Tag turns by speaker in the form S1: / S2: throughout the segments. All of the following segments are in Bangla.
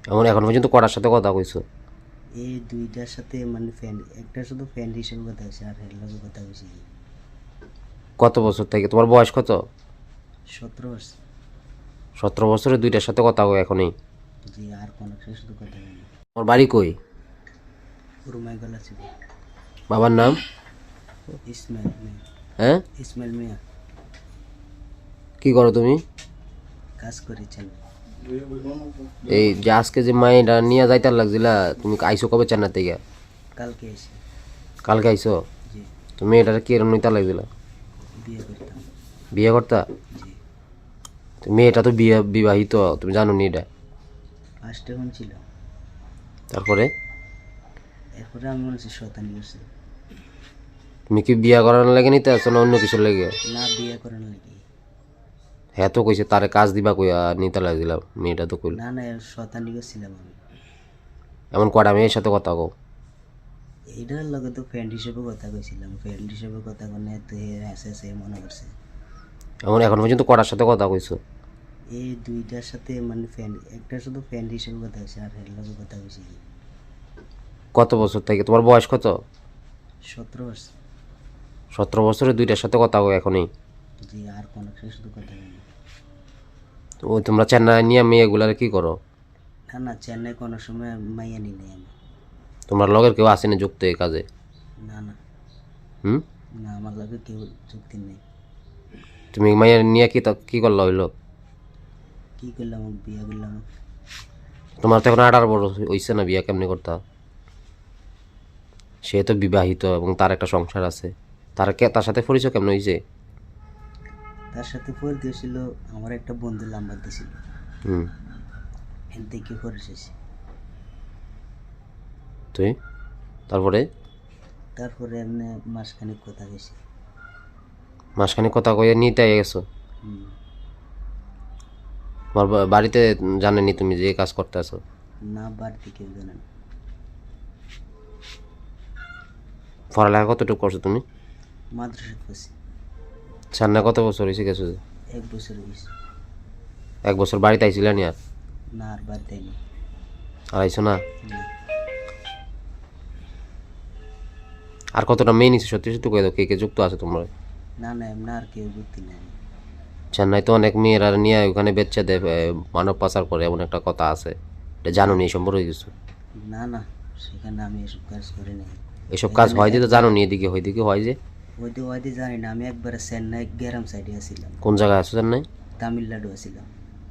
S1: এমন এখন পর্যন্ত কটার সাথে কথা কইছো?
S2: এই দুইটার সাথে মানে ফ্রেন্ড, একটা শুধু ফ্রেন্ড হিসেবে কথা হয়েছে আর এর লগে কথা হয়েছে কি
S1: কত বছর থেকে? তোমার বয়স কত?
S2: 17 বছর।
S1: 17 বছরে দুইটার সাথে কথা কই এখনই?
S2: জি, আর কোনো সাথে শুধু কথা হয়নি।
S1: তোমার বাড়ি কই?
S2: রুমাই গলা ছিল।
S1: বাবার নাম?
S2: ইসমাইল মিয়া।
S1: হ্যাঁ?
S2: ইসমাইল মিয়া।
S1: কি করো তুমি?
S2: কাজ করেছেন।
S1: এই যে আজকে যে মাইটা নিয়ে যাইতার লাগছিলা, তুমি আইসো কবে চেন্নাই থেকে?
S2: কালকে এসে।
S1: কালকে আইসো?
S2: জি।
S1: তুমি এটা কি এরম নিতে লাগছিলা?
S2: বিয়ে করতাম।
S1: বিয়ে করতা?
S2: জি।
S1: তো মেয়েটা তো বিবাহিত, তুমি জানো নি এটা?
S2: ফার্স্ট এখন ছিল,
S1: তারপরে
S2: এরপরে আমি মনে হচ্ছে শতানি করছি।
S1: তুমি কি বিয়ে করার লাগে নিতে আসো না অন্য কিছুর লেগে?
S2: না, বিয়ে করেন নাকি?
S1: হ্যাঁ তো কইছে তারে কাজ দিবা কইয়া নিতে লাগছিলাম, মেয়েটা তো কইল।
S2: না না, শতানি করছিলাম আমি।
S1: এমন কটা মেয়ের সাথে কথা কও?
S2: এইটার লগে তো ফ্রেন্ড হিসেবে কথা কইছিলাম, ফ্রেন্ড হিসেবে কথা কনে তো হেসে হেসে মনে করছে।
S1: এমন এখন পর্যন্ত কটার সাথে কথা কইছো?
S2: এই দুইটার সাথে মানে ফ্রেন্ড, একটা শুধু ফ্রেন্ড হিসেবে কথা হয়েছে আর এর লগে কথা হয়েছে কি
S1: কত বছর থেকে? তোমার বয়স কত?
S2: 17 বছর।
S1: 17 বছরে দুইটার সাথে কথা কও এখনই?
S2: জি, আর কোনো সাথে শুধু কথা হয়নি।
S1: তো ওই তোমরা চেন্নাই নিয়ে মেয়েগুলার কি করো?
S2: না না, চেন্নাই কোনো সময় মাইয়া নি নাই আমি।
S1: তোমার লগের কেউ আসেনি যুক্ত এই কাজে?
S2: না না।
S1: হুম?
S2: না, আমার লগে কেউ চুক্তি নেই।
S1: তুমি মাইয়া নিয়ে কি করলা হইলো?
S2: কি করলাম, বিয়ে করলাম।
S1: তোমার তো এখন 18 বছর হইছে না, বিয়া কেমনি করতা? সে তো বিবাহিত এবং তার একটা সংসার আছে, তার সাথে পরিচয় কেমন হয়েছে?
S2: তার সাথে পরে দিয়েছিল আমার একটা বন্ধু নাম্বার দিয়েছিল,
S1: হুম।
S2: এর দেখে পরে এসেছি।
S1: তুই তারপরে
S2: তারপরে এমনি মাসখানেক কথা গেছি।
S1: মাসখানে কথা কয়ে নিতে গেছো?
S2: হুম।
S1: তোমার বাড়িতে জানেনি তুমি যে এই কাজ করতে আছো?
S2: না, বাড়িতে কেউ জানে না।
S1: পড়ালেখা কতটুকু করছো তুমি?
S2: মাদ্রাসা পড়ছি।
S1: সান্না কত বছর হয়েছে গেছো যে?
S2: 1 বছর গেছি।
S1: 1 বছর বাড়িতে আইছিলে নি আর?
S2: না, আর বাড়িতে নেই।
S1: আর আইছো না?
S2: না।
S1: আর কতটা মেয়ে নিচ্ছে সত্যি সত্যি কয়ে দাও, কে কে যুক্ত আছে তোমার?
S2: না না, এমনি আর কেউ যুক্তি নেই।
S1: চেন্নাই তো অনেক মেয়েরা নিয়ে ওখানে বেচে দেয়, মানব পাচার করে, এমন একটা কথা আছে, এটা জানো নি এই সম্পর্কে কিছু?
S2: না না, সেখানে আমি এসব কাজ করি নাই।
S1: এসব কাজ
S2: এখানে
S1: হয় যে তো
S2: একবার
S1: জানো নি, এদিকে হয় দিকে হয় যে?
S2: ওইতে ওইতে জানি না, আমি একবার চেন্নাই গ্রাম সাইডে আছিলাম।
S1: কোন জায়গায় আছো চেন্নাই?
S2: তামিলনাড়ু আছিলাম।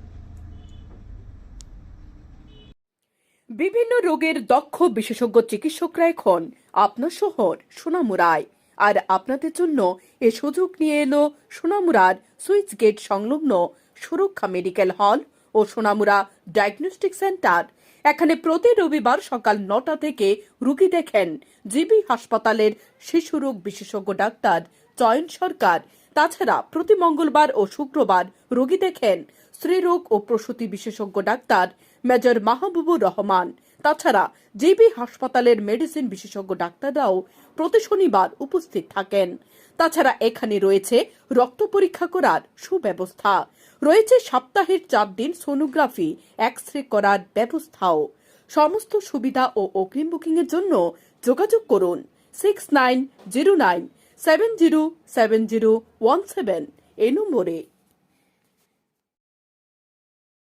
S3: বিভিন্ন রোগের দক্ষ বিশেষজ্ঞ চিকিৎসকরা এখন আপনার শহর সোনামুড়ায়। আর আপনাদের জন্য এ সুযোগ নিয়ে এলো সোনামুড়ার সুইচ গেট সংলগ্ন সুরক্ষা মেডিকেল হল ও সোনামুড়া ডায়াগনস্টিক সেন্টার। এখানে প্রতি রবিবার সকাল 9টা থেকে রুগী দেখেন জিবি হাসপাতালের শিশুরোগ বিশেষজ্ঞ ডাক্তার চয়ন সরকার। তাছাড়া প্রতি মঙ্গলবার ও শুক্রবার রোগী দেখেন স্ত্রীরোগ ও প্রসূতি বিশেষজ্ঞ ডাক্তার মেজর মাহবুবুর রহমান। তাছাড়া জিবি হাসপাতালের মেডিসিন বিশেষজ্ঞ ডাক্তাররাও প্রতি শনিবার উপস্থিত থাকেন। তাছাড়া এখানে রয়েছে রক্ত পরীক্ষা করার সুব্যবস্থা, রয়েছে সপ্তাহের 4 দিন সোনোগ্রাফি এক্স রে করার ব্যবস্থাও। সমস্ত সুবিধা ও অগ্রিম বুকিং এর জন্য যোগাযোগ করুন 6909707017 এই নম্বরে।